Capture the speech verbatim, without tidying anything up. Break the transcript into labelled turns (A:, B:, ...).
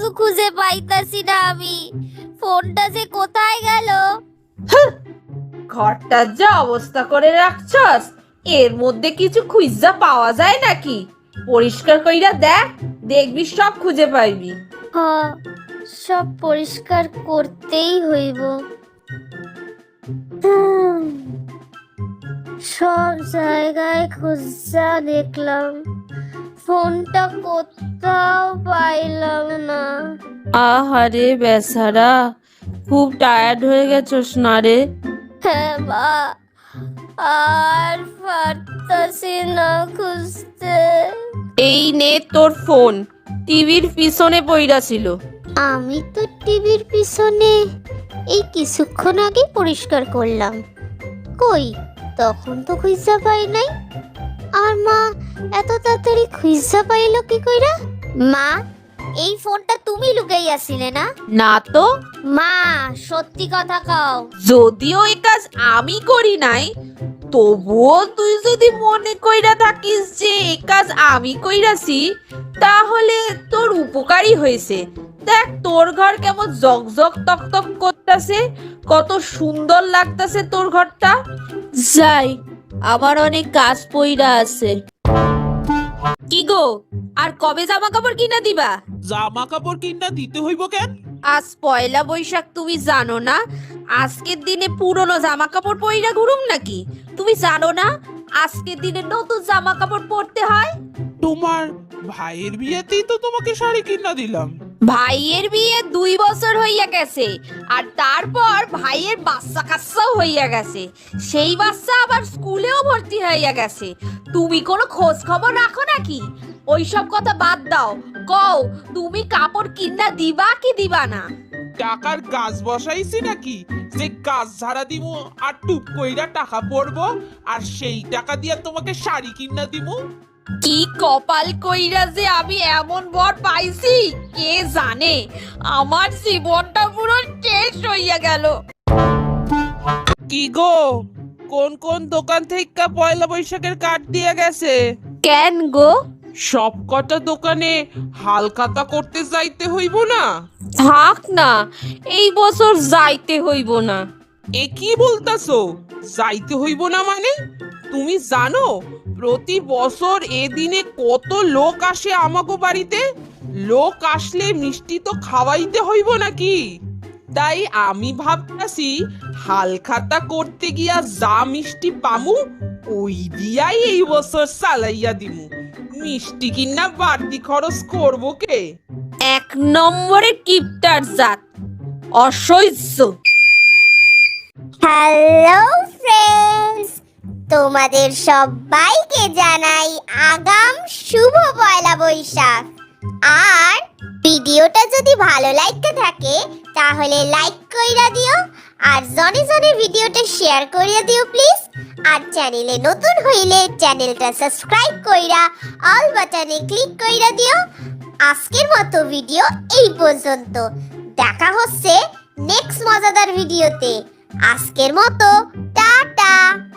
A: কিছু খুঁজে পাইতাছি না আমি। ফোনটা যে কোথায় গেল?
B: ঘরটার যা অবস্থা করে রাখছস, এর মধ্যে কিছু খুঁজা পাওয়া যায় নাকি? পরিষ্কার কইরা দেখ, দেখবি সব খুঁজে পাইবি।
A: হ্যাঁ, সব পরিষ্কার করতেই হইব। হুম, সব জায়গায় খুঁজা দেখলাম, ফোনটা কোথাও পাইলাম না।
B: আহারে বেচারা, খুব টায়ার্ড হয়ে গেছস না রে?
A: হ্যাঁ মা, আর পারতাছি না খুঁজতে।
B: এই নে তোর ফোন, টিভির পিছনে পইড়া ছিল।
A: আমি তো টিভির পিছনে এই কিছুক্ষণ আগে পরিষ্কার করলাম। কই, তখন তো খুঁজা পাই নাই। আর মা এত তাড়াতাড়ি খুঁজা পাইলো কি কইরা? মা, এই ফোনটা তুমি লুকাইয়াছিলে না?
B: না তো।
A: মা, সত্যি কথা কও।
B: যদিও এই কাজ আমি করি নাই, তবুও তুই যদি মনে কইরা থাকিস যে এই কাজ আমি কইরাছি, তাহলে তোর উপকারই হয়েছে। দেখ তোর ঘর কেমন জকজক তকতক করতেছে, কত সুন্দর লাগতেছে তোর ঘরটা। যাই, আমার অনেক কাজ পইরা আছে। কি গো, আর কবে জামা কাপড় কিনা দিবা?
C: জামা কাপড় কিনা দিতে হইব কেন?
B: আজ পয়লা বৈশাখ, তুমি জানো না? আজকের দিনে পুরনো জামা কাপড় পইরা ঘুরুম নাকি? তুমি জানো না আজকের দিনে নতুন জামা কাপড় পরতে হয়?
C: তোমার ভাইয়ের বিয়েতেই তো তোমাকে শাড়ি কিনা দিলাম।
B: ভাইয়ের বিয়ে দুই বছর হইয়া গেছে, আর তারপর ভাইয়ের বাচ্চা কাচ্চাও হইয়া গেছে। সেই বাচ্চা আবার স্কুলেও ভর্তি হইয়া গেছে। তুমি কোনো খোঁজ খবর রাখো নাকি? ওইসব কথা বাদ দাও, কও তুমি কাপড় কিনা দিবা কি দিবা না?
C: টাকার গাছ বসাইছি নাকি যে গাছ ঝাড়া দিব আর টুপ কইরা টাকা পড়বো আর সেই টাকা দিয়া তোমাকে শাড়ি কিনা দিব?
B: কি কপাল কইরা যে আমি এমন বর পাইছি, কে জানে। আমার জীবনটা পুরো শেষ হইয়া গেল।
C: কি গো, কোন কোন দোকান থেকে পয়লা বৈশাখের কার্ড দিয়ে গেছে?
B: কেন গো?
C: সব কটা দোকানে হালখাতা করতে যাইতে হইব না?
B: থাক না, এই বছর যাইতে হইব না।
C: এ কি বলতাছো, যাইতে হইব না মানে? তুমি জানো প্রতি বছর এ দিনে কত লোক আসে আমাগো বাড়িতে? লোক আসলে মিষ্টি তো খাওয়াইতে হইব নাকি? তাই আমি ভাবতাছি হালখাতা করতে গিয়া যা মিষ্টি পামু ওই দিয়াই এই বছর চালাইয়া দিমু। মিষ্টি কিনা বাড়তি খরচ করবো কে?
B: এক নম্বরে কিপটার জাত, অসহ্য।
A: হ্যালো ফ্রেন্ডস, তোমাদের সবাইকে জানাই আগাম শুভ পয়লা বৈশাখ। আর ভিডিওটা যদি ভালো লাগতে থাকে তাহলে লাইক কইরা দিও, আর জনে জনে ভিডিওটা শেয়ার করিয়া দিও প্লিজ। আর চ্যানেলে নতুন হইলে চ্যানেলটা সাবস্ক্রাইব কইরা অল বাটনে ক্লিক কইরা দিও। আজকের মতো ভিডিও এই পর্যন্ত, দেখা হচ্ছে নেক্সট মজাদার ভিডিওতে। আজকের মতো টাটা।